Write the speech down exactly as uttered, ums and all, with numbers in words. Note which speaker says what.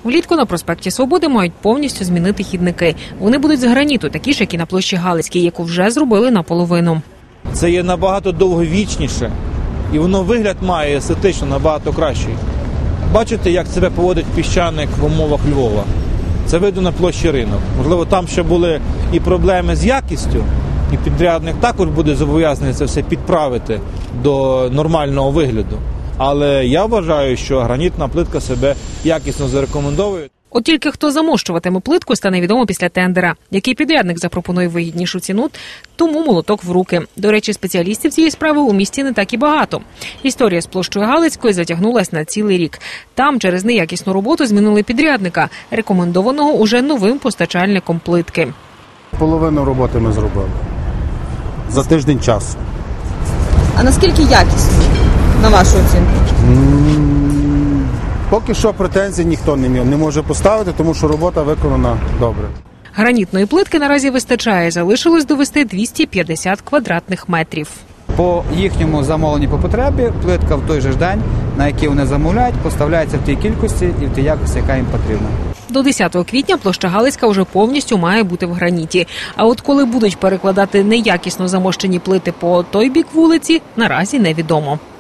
Speaker 1: Влітку на проспекті Свободи мають повністю змінити хідники. Вони будуть з граніту, такі ж, як і на площі Галицькій, яку вже зробили наполовину.
Speaker 2: Це є набагато довговічніше, і воно вигляд має естетично набагато кращий. Бачите, як себе поводить піщаник в умовах Львова? Це видно на площі Ринок. Можливо, там ще були і проблеми з якістю, і підрядник також буде зобов'язаний це все підправити до нормального вигляду. Але я вважаю, що гранітна плитка себе якісно зарекомендовує.
Speaker 1: От тільки хто замощуватиме плитку, стане відомо після тендера. Який підрядник запропонує вигіднішу ціну, тому молоток в руки. До речі, спеціалістів цієї справи у місті не так і багато. Історія з площою Галицької затягнулась на цілий рік. Там через неякісну роботу змінили підрядника, рекомендованого уже новим постачальником плитки.
Speaker 3: Половину роботи ми зробили за тиждень часу.
Speaker 4: А наскільки якісно, на вашу оцінку?
Speaker 3: Поки що претензій ніхто не, не може поставити, тому що робота виконана добре.
Speaker 1: Гранітної плитки наразі вистачає. Залишилось довести двісті п'ятдесят квадратних метрів.
Speaker 5: По їхньому замовленню по потребі плитка в той же ж день, на який вони замовляють, поставляється в тій кількості і в тій якості, яка їм потрібна.
Speaker 1: До десятого квітня площа Галицька вже повністю має бути в граніті. А от коли будуть перекладати неякісно замощені плити по той бік вулиці, наразі невідомо.